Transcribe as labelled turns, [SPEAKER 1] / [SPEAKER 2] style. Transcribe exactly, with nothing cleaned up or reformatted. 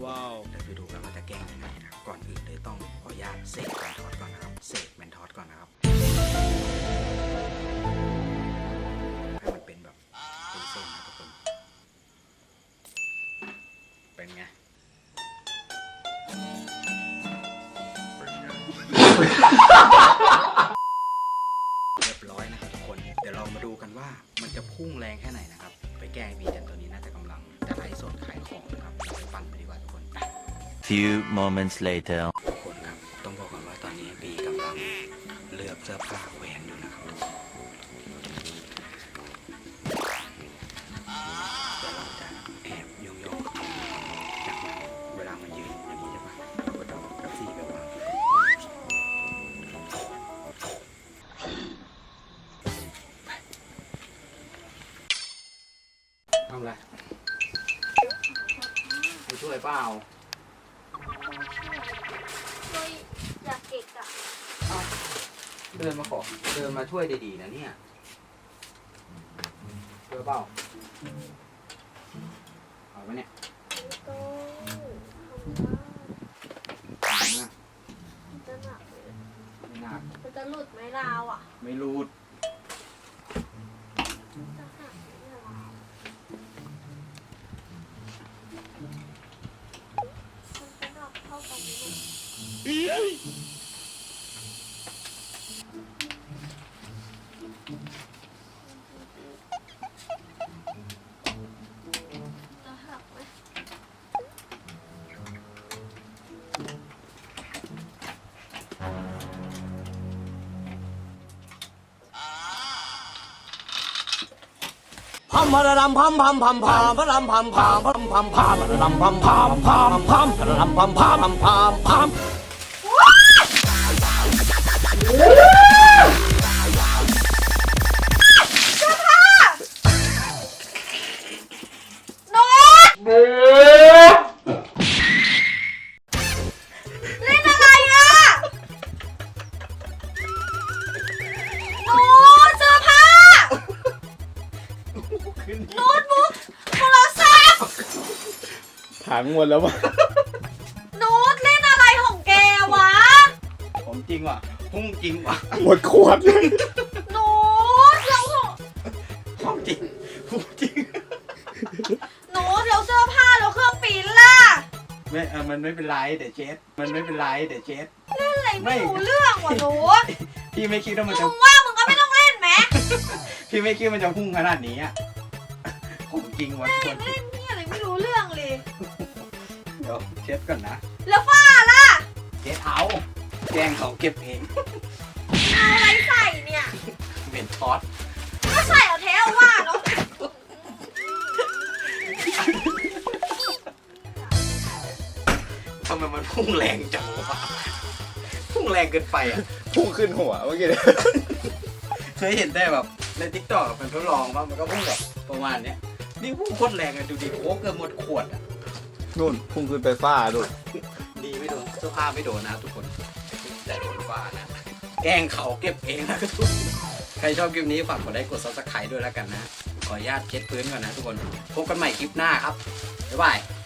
[SPEAKER 1] ว้าวเดี๋ยวไปดูกันว่าจะแกล้งยังไงนะก่อนอื่นเลยต้องขออนุญาตเสกแมนทอสก่อนนะครับเสกแมนทอสก่อนนะครับให้มันเป็นแบบเป็นเส้นนะทุกคนเป็นไงเรียบร้อยนะครับทุกคนเดี๋ยวเรามาดูกันว่ามันจะพุ่งแรงแค่ไหนนะครับไปแกล้งบีจันตัวนี้น่าจะกำลังจะไลฟ์สดขายของนะครับเราไปปั่นไปดีกว่าทุกคน
[SPEAKER 2] Few moments later
[SPEAKER 1] ทุกคนครับต้องบอกก่อนว่าตอนนี้บีกำลังเลือกเสื้อผ้าแหวนอยู่นะครับเดี๋ยวเราจะแอบโยงโยงจากนั้นเวลามันยืนอย่างนี้ใช่ปะเราก็จะเอากระซี่ไปวางทำไรไปช่วยเปล่า
[SPEAKER 3] ช่วยอยากเก็กอะ
[SPEAKER 1] เดินมาขอเดินมาช่วยดีๆนะเนี่ยช่วยเปล่าเอาไว้เนี่ย
[SPEAKER 3] ต้องทำได้
[SPEAKER 1] นะ
[SPEAKER 3] มันจะหนักเลย
[SPEAKER 1] ไม่น่า
[SPEAKER 3] มันจะหลุดไหมราวอะ
[SPEAKER 1] ไม่รูด
[SPEAKER 3] จะหักไหมราวมันจะหนักเท่ากันไหมจะหักไหม
[SPEAKER 4] พัมพะระดำพัมพัมพัมพามพะระดำพัมพามพัมพัมพามพะระดำพัมพามพามพามพะระดำพัมพามพัมพามพาม
[SPEAKER 3] เล่นอะไรอะโน้ตเสื้อผ้าโน้ตบุ๊กโทรศัพท์
[SPEAKER 1] ถังหมดแล้ววะ
[SPEAKER 3] โน้ตเล่นอะไรของแกวะ
[SPEAKER 1] ผมจริงว่ะพุ่งจริงว่ะ
[SPEAKER 4] หมดขวดเลย
[SPEAKER 3] โน้ตเรา
[SPEAKER 1] ของจริงพุ่งจริง
[SPEAKER 3] โน้ตเราเสื้อผ้าเราเครื่องปริ้นล่ะ
[SPEAKER 1] ไม่เออมันไม่เป็นไรเดี๋ยวเช็ดมันไม่เป็นไรเดี๋ยวเช็ด
[SPEAKER 3] เล่นอะไรไม่รู้เรื่องว่ะโน้ต
[SPEAKER 1] พี่ไม่คิดว่ามันจะ
[SPEAKER 3] มึงว่ามึงก็ไม่ต้องเล่นไหม
[SPEAKER 1] พี่ไม่คิดว่ามันจะพุ่งขนาดนี้อ่ะของจริงว่ะทุกคน
[SPEAKER 3] เล่นนี่อะไรไม่รู้เรื่องเลย
[SPEAKER 1] เดี๋ยวเช็ดก่อนนะ
[SPEAKER 3] แล้วฝ้าล่ะ
[SPEAKER 1] เช็ดเอาแกล้งเขาเก็บเอง
[SPEAKER 3] เอาอะไรใส่เนี่ย
[SPEAKER 1] เป็นช็อต
[SPEAKER 3] ก็ใส่เอาแท้เอาว่าเนาะ
[SPEAKER 1] ทำไมมันพุ่งแรงจังวะพุ่งแรงเกินไปอ่ะ
[SPEAKER 4] พุ่งขึ้นหัวเมื่อกี้
[SPEAKER 1] เคยเห็นได้แบบในทิกตอกเป็นทดลองว่ามันก็พุ่งแบบประมาณเนี้ยนี่พุ่งโคตรแรงเลยดูดิโค้กเกือบหมดขวดอ่ะ
[SPEAKER 4] นู่นพุ่งขึ้นไปฟ้าดู
[SPEAKER 1] ดีไม่โดนเสื้อผ้าไม่โดนนะทุกคนแต่โดนฟ้านะแกล้งเขาเก็บเองนะทุกคนใครชอบคลิปนี้ฝากกดไลค์กดซับสไครต์ด้วยแล้วกันนะขออนุญาตเช็ดพื้นก่อนนะทุกคนพบกันใหม่คลิปหน้าครับบ๊ายบาย